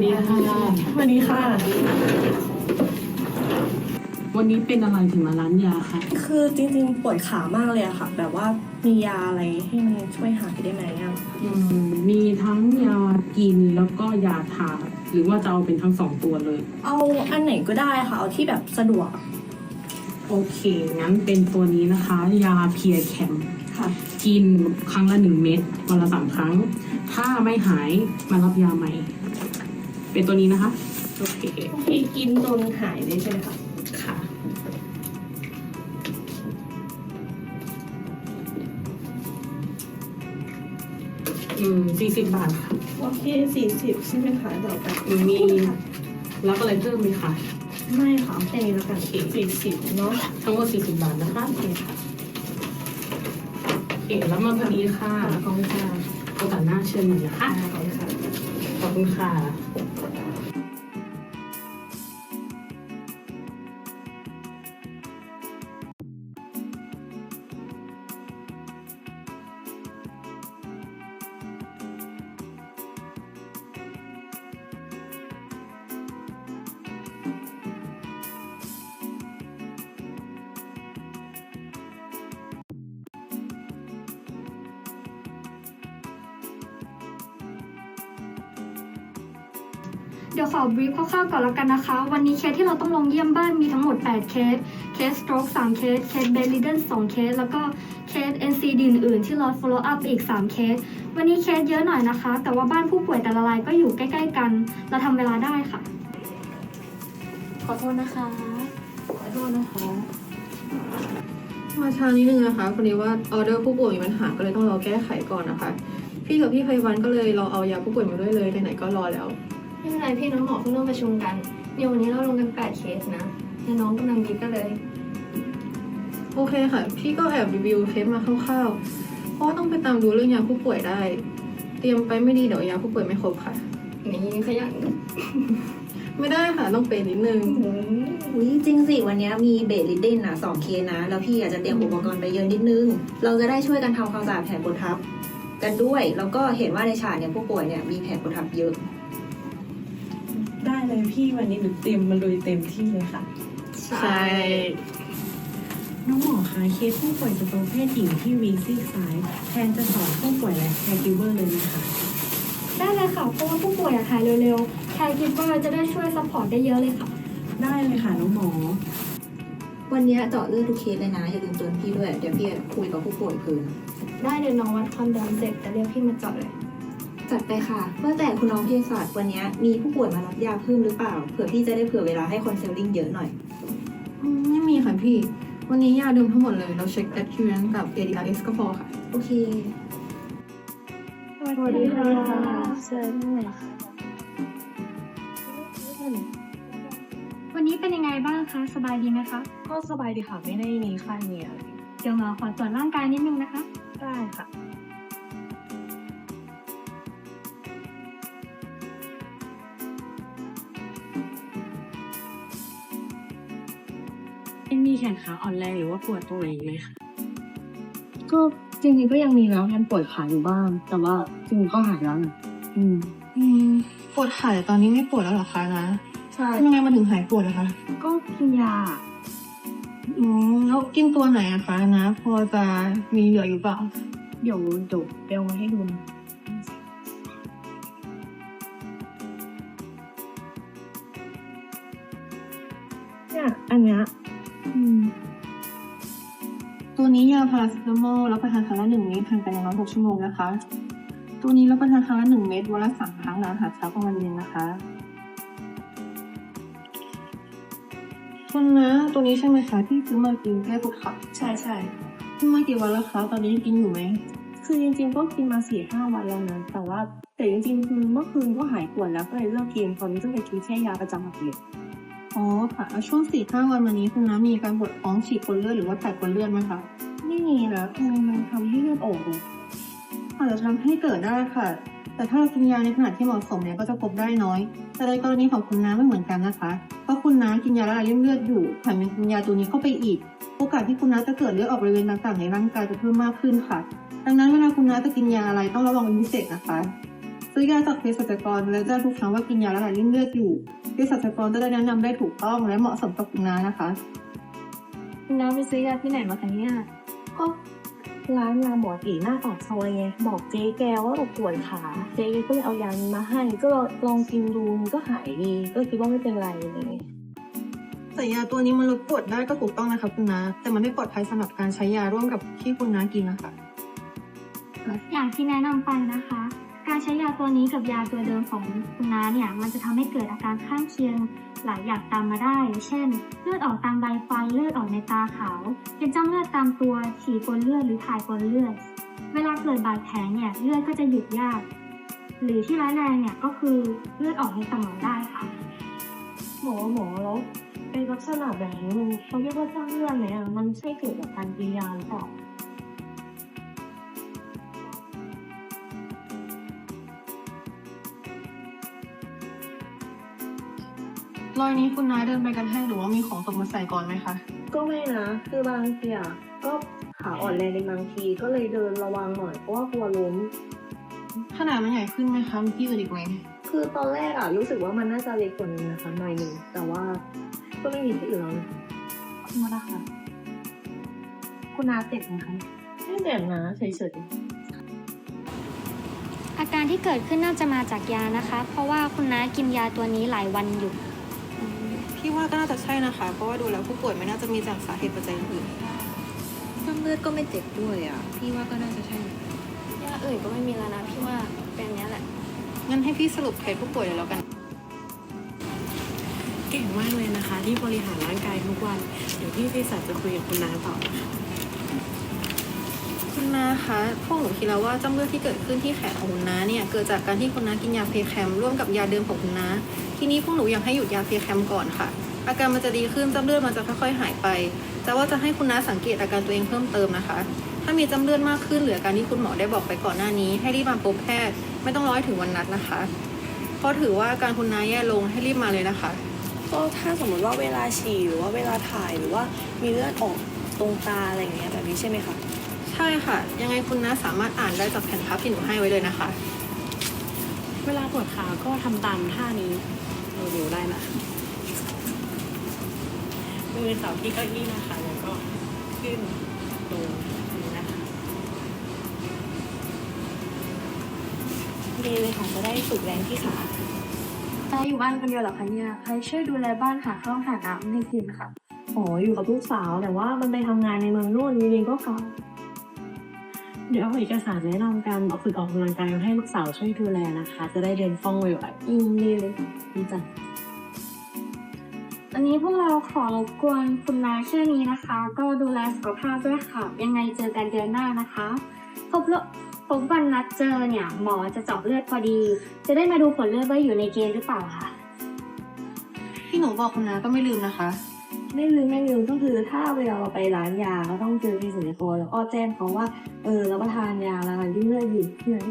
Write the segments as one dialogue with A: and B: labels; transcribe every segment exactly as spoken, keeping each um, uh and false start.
A: ดีค่ะ
B: สวัสดีค่ะ
A: วันนี้เป็นอะไรถึงมาร้านยาคะ
B: คือจริงๆปวดขามากเลยอะค่ะ แบบว่ามียาอะไรให้มันช่วยหายได้ไหมอะ
A: อืมมีทั้งยากินแล้วก็ยาทาหรือว่าจะเอาเป็นทั้งสองตัวเลย
B: เอาอันไหนก็ได้ค่ะ เอาที่แบบสะดวก
A: โอเค งั้นเป็นตัวนี้นะคะ ยาเพียแคม
B: ค่ะ
A: กินครั้งละหนึ่งเม็ดวันละสามครั้ง ถ้าไม่หายมารับยาใหม่ เป็นตัวนี้นะคะ โอเค
B: ที่กินจนหายเลยใช่ไหมคะ
A: ค่ะ อืมสี่สิบบาทค่ะ
B: โอเคสี่สิบใช่ไหมคะเดี๋ยวแบบ
A: มีรับอะไรเพิ่มไหมคะ
B: ไม่ค่ะแค่นี้แล้วกันสี่สิบเนาะ
A: ทั้งหมดสี่สิบบาทนะคะ
B: โอเคค่ะ
A: โอเค แล้วมาพอดีค่ะ
B: ขอบคุณค่ะ
A: โอกาสหน้าเชิญใหม่นะคะ
B: ขอบคุณค่ะ
A: ขอบคุณค่ะ
C: เดี๋ยวขอบรีฟคร่าวๆก่อนแล้วกันนะคะ วันนี้เคสที่เราต้องลงเยี่ยมบ้านมีทั้งหมดแปดเคส เคสสโตรกสามเคส เคสเบดริดเดนสองเคส แล้วก็เคส เอ็น ซี ดี อื่นๆที่รอ follow up อีกสามเคส วันนี้เคสเยอะหน่อยนะคะ แต่ว่าบ้านผู้ป่วยแต่ละรายก็อยู่ใกล้ๆกัน เราทำเวลาได้ค่ะ
D: ขอโทษนะคะ ขอโทษนะคะ
E: มาช้านิดนึงนะคะพอดีว่าออเดอร์ผู้ป่วยมีปัญหาก็เลยต้องรอแก้ไขก่อนนะคะ พี่กับพี่ไพวันก็เลยเราเอายาผู้ป่วยมาด้วยเลยไหนๆก็รอแล้ว
D: ไม่เป็นไรพี่น้องหมอเพิ่งเริ่มประชุมกันเดี๋ยววันนี้เราลงกันแปดเคสนะเดี๋ยวน้องกำลังดีก็เลย
E: โอเคค่ะ พี่ก็แอบรีวิวเคสมาคร่าวๆเพราะว่าต้องไปตามดูเรื่องยาผู้ป่วยได้ เตรียมไปไม่ดีเดี๋ยวยาผู้ป่วยไม่ครบค่ะ
D: นี่ขยัน
E: ไม่ได้ค่ะต้องเป็นนิดนึง
F: อุ้ยจริงสิวันนี้มีเบสลิดเดนอ่ะสองเคสนะ แล้วพี่อาจจะเตรียมอุปกรณ์ไปเยอะนิดนึง เราจะได้ช่วยกันทำความสะอาดแผลกดทับกันด้วย แล้วก็เห็นว่าในฉากเนี่ยผู้ป่วยเนี่ยมีแผลกดทับเยอะ
B: ได้เลยพี่วันนี้หนูเตรียมมาลุยเต็มที่เลยค่ะ
E: ใช่
G: น้องหมอคะเคสผู้ป่วยสโตรกเพศหญิงที่วีซีซ้ายแทนจะสอนผู้ป่วยและแคร์กิวเวอร์เลยนะคะ
C: ได้เลยค่ะ เพราะว่าผู้ป่วยอยากหายเร็วๆ แคร์คิดว่าจะได้ช่วยซัพพอร์ตได้เยอะเลยค่ะ
G: ได้เลยค่ะน้องหมอ
F: วันนี้เจาะเลือดทุกเคสเลยนะอย่าลืมเตือนพี่ด้วยเดี๋ยวพี่คุยกับผู้ป่วยคืน
D: ได้เดี๋ยวน้องวัดความดันเสร็จแต่เรียกพี่มาเจาะเลย
F: จัดไปค่ะเมื่อแต่คุณน้องเภสัชวันนี้มีผู้ป่วยมารับยาเพิ่มหรือเปล่าเผื่อพี่จะได้เผื่อเวลาให้คอนซัลทิงเยอะหน่อย
E: อืมไม่มีค่ะพี่ วันนี้ยาเดิมทั้งหมดเลยเราเช็ค adherence กับ เอ ดี อาร์ เอส ก็พอค่ะ
F: โอเค
D: สวัสดีค่ะเชิญเลย
C: วันนี้เป็นยังไงบ้างคะ สบายดีไหมคะ
B: ก็สบายดีค่ะ ไม่ได้มีไข้มีอะไร
C: เดี๋ยวหมอขอตรวจร่างกายนิดนึงนะคะ
B: ได้ค่ะ
G: มีแขนขาอ่อนแรงหรือว่าปวดตรงไหนไหมคะ
H: ก็จริงๆก็ยังมีแล้วแทนปวดขาอยู่บ้าง แต่ว่าจริงๆก็หายแล้วนะอืม
E: อืมปวดขาแต่ตอนนี้ไม่ปวดแล้วเหรอคะนะ
H: ใช่
E: ทำไมมาถึงหายปวดอะคะ
H: ก็กินยา
E: อืมแล้วกินตัวไหนอะคะนะ พอจะมีเหลืออยู่เปล่า
H: เดี๋ยวเดี๋ยวเบลมาให้ดูนะ
B: เนี่ยอันเนี้ย
H: อืม
E: ตัวนี้ยาพาราเซตามอลรับประทานครั้งละหนึ่งเม็ดทานไปในน้อยหกชั่วโมงนะคะ ตัวนี้รับประทานครั้งละหนึ่งเม็ดวันละสามครั้งหลังอาหารเช้ากลางวันเย็นนะคะคุณนะตัวนี้ใช่ไหมคะที่ซื้อมากินแก้ปวดขา
H: ใช่ใช่
E: ซื้อมากี่วันแล้วคะตอนนี้ยังกินอยู่ไหม
H: คือจริงๆก็กินมาสี่ห้าวันแล้วนะ แต่ว่าแต่จริงๆคือเมื่อคืนก็หายปวดแล้วก็เลยเลิกกินตอนนี้ก็เลยกินแค่ยาประจำอาทิตย์
E: อ๋อค่ะแล้วช่วงสี่ห้าวันมานี้คุณน้ามีการปวดท้องฉีดกลเลือดหรือว่าถ่ายกลเลือดไหมคะ
H: ไม่มีนะทำไมมันทำให้เลือดออกอะ
E: อาจจะทำให้เกิดได้ค่ะ แต่ถ้าเรากินยาในขนาดที่เหมาะสมเนี่ยก็จะพบได้น้อย แต่ในกรณีของคุณน้าไม่เหมือนกันนะคะ เพราะคุณน้ากินยาละลายริ่มเลือดอยู่แถมยังกินยาตัวนี้เข้าไปอีก โอกาสที่คุณน้าจะเกิดเลือดออกบริเวณต่างๆในร่างกายจะเพิ่มมากขึ้นค่ะ ดังนั้นเวลาคุณน้าจะกินยาอะไรต้องระวังเป็นพิเศษนะคะซื้อยาจากเภสัชกรและแจ้งทุกครั้งว่ากินยาละลายริ่มเลือดอยู่เภสัชกรจะได้แนะนำได้ถูกต้องและเหมาะสมกับคุณน้านะคะ
C: คุณน้าไปซื้อยาที่ไหนมาคะเนี่ย
H: ก็ร้านยาหมอตีหน้าปากซอยไงบอกเจ๊แกว่าเราปวดขาเจ๊ก็เลยเอายานี้มาให้ก็ลองกินดูมันก็หายดีก็คิดว่าไม่เป็นไรเลย
E: แต่ยาตัวนี้มันลดปวดได้ก็ถูกต้องนะคะคุณน้าแต่มันไม่ปลอดภัยสำหรับการใช้ยาร่วมกับที่คุณน้ากินนะคะ
C: อย่างที่แนะนำไปนะคะ การใช้ยาตัวนี้กับยาตัวเดิมของคุณน้าเนี่ยมันจะทำให้เกิดอาการข้างเคียงหลายอย่างตามมาได้ เช่น เลือดออกตามใบฟันเลือดออกในตาขาวเป็นจ้ำเลือดตามตัวฉี่ปนเลือดหรือถ่ายปนเลือด เวลาเกิดบาดแผลเนี่ยเลือดก็จะหยุดยาก หรือที่ร้ายแรงเนี่ยก็คือเลือดออกในสมองได้ค่ะ
H: หมอหมอแล้วเป็นลักษณะแบบนี้มันเขาเรียกว่าสร้างเลือดไหมอ่ะมันใช่เกิดจากการกินยาหรือเปล่า
E: รอยนี้คุณน้าเดินไปกันให้หรือว่ามีของตกมาใส่ก่อนไหมคะ
H: ก็ไม่นะ คือบางทีอ่ะก็ขาอ่อนแรงในบางทีก็เลยเดินระวังหน่อยเพราะว่ากลัวล้ม
E: ขนาดมันใหญ่ขึ้นไหมคะมีที่อื่นอีกไหม
H: คือตอนแรกอ่ะรู้สึกว่ามันน่าจะเล็กกว่านี้นะคะหน่อยหนึ่งแต่ว่าก็ไม่มีที่อื่นแล้วนะขอบคุณมากค่ะคุณนาเจ็บไหมคะไม่เจ็บนะเฉยๆ
C: อาการที่เกิดขึ้นน่าจะมาจากยานะคะ เพราะว่าคุณน้ากินยาตัวนี้หลายวันอยู่
E: พี่ว่าก็น่าจะใช่นะคะ เพราะว่าดูแล้วผู้ป่วยไม่น่าจะมีจากสาเหตุปัจจัยอื่น
F: น้ำเลือดก็ไม่เจ็บด้วยอ่ะ พี่ว่าก็น่าจะใช่
D: ยาอื่นก็ไม่มีแล้วนะพี่ว่าเป็นอันเนี้ยแหละ
E: งั้นให้พี่สรุปเคสผู้ป่วยเลยแล้วกัน
G: เก่งมากเลยนะคะ ที่บริหารร่างกายทุกวัน เดี๋ยวพี่เภสัชจะคุยกับคุณน้าต่อนะคะ
E: คุณน้าคะพวกหนูคิดแล้วว่าจ้ำเลือดที่เกิดขึ้นที่แขนของคุณน้าเนี่ยเกิดจากการที่คุณน้ากินยาเพแคมร่วมกับยาเดิมของคุณน้าทีนี้พวกหนูอยากให้หยุดยาเพแคมก่อนค่ะ อาการมันจะดีขึ้นจ้ำเลือดมันจะค่อยๆหายไป แต่ว่าจะให้คุณน้าสังเกตอาการตัวเองเพิ่มเติมนะคะ ถ้ามีจ้ำเลือดมากขึ้นหรืออาการที่คุณหมอได้บอกไปก่อนหน้านี้ให้รีบมาพบแพทย์ไม่ต้องรอให้ถึงวันนัดนะคะเพราะถือว่าอาการคุณน้าแย่ลงให้รีบมาเลยนะคะ
B: ก็ถ้าสมมติว่าเวลาฉี่หรือว่าเวลาถ่ายหรือว่ามีเลือดออกตรงตาอะไรอย่างเงี้ยแบบนี้ใช่ไหมคะ
E: ใช่ค่ะ ยังไงคุณน้าสามารถอ่านได้จากแผ่นพับที่หนูให้ไว้เลยนะคะ
G: เวลาปวดขาก็ทำตามท่านี้เราดูได้นะมือเสาที่เก้าอี้นะคะ แล้วก็ขึ้นลงนี้นะคะ
B: ดีเลยค่ะจะได้ฝึกแรงที่ขา
C: น้าอยู่บ้านคนเดียวเหรอคะเนี่ย ใครช่วยดูแลบ้านหาข้าวหาน้ำให้กินค่ะ
H: อ๋ออยู่กับลูกสาวแต่ว่ามันไปทำงานในเมืองนู่นจริงๆก็เก่า
G: เดี๋ยวเอาเอกสารแนะนำการฝึกออกกำลังกายมาให้ลูกสาวช่วยดูแลนะคะ จะได้เดินคล่องไวๆ
H: อืมดีเลยดีจัง
C: วันนี้พวกเราขอรบกวนคุณนาแค่นี้นะคะ ก็ดูแลสุขภาพด้วยค่ะ ยังไงเจอกันเดือนหน้านะคะพบแล้วพบวันนัดเจอเนี่ย หมอจะเจาะเลือดพอดี จะได้มาดูผลเลือดว่าอยู่ในเกณฑ์หรือเปล่าค่ะ
E: ที่หนูบอกคุณน้าก็ไม่ลืมนะคะ
H: ไม่ลืมไม่ลืมก็คือถ้าเวลาเราไปร้านยาเราต้องเจอเภสัชกรแล้วก็แจ้งเขาว่าเออรับประทานยาแล้วยิ่งเลือดอยู่ที่ไหน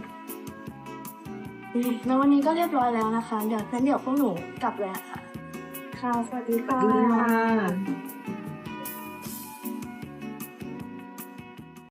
C: แล้ววันนี้ก็เรียบร้อยแล้วนะคะ เดี๋ยวงั้นเดี๋ยวพวกหนูกลับเลยอะค่ะ
H: ค่ะสวัสดีค่ะ
E: ดีค่ะ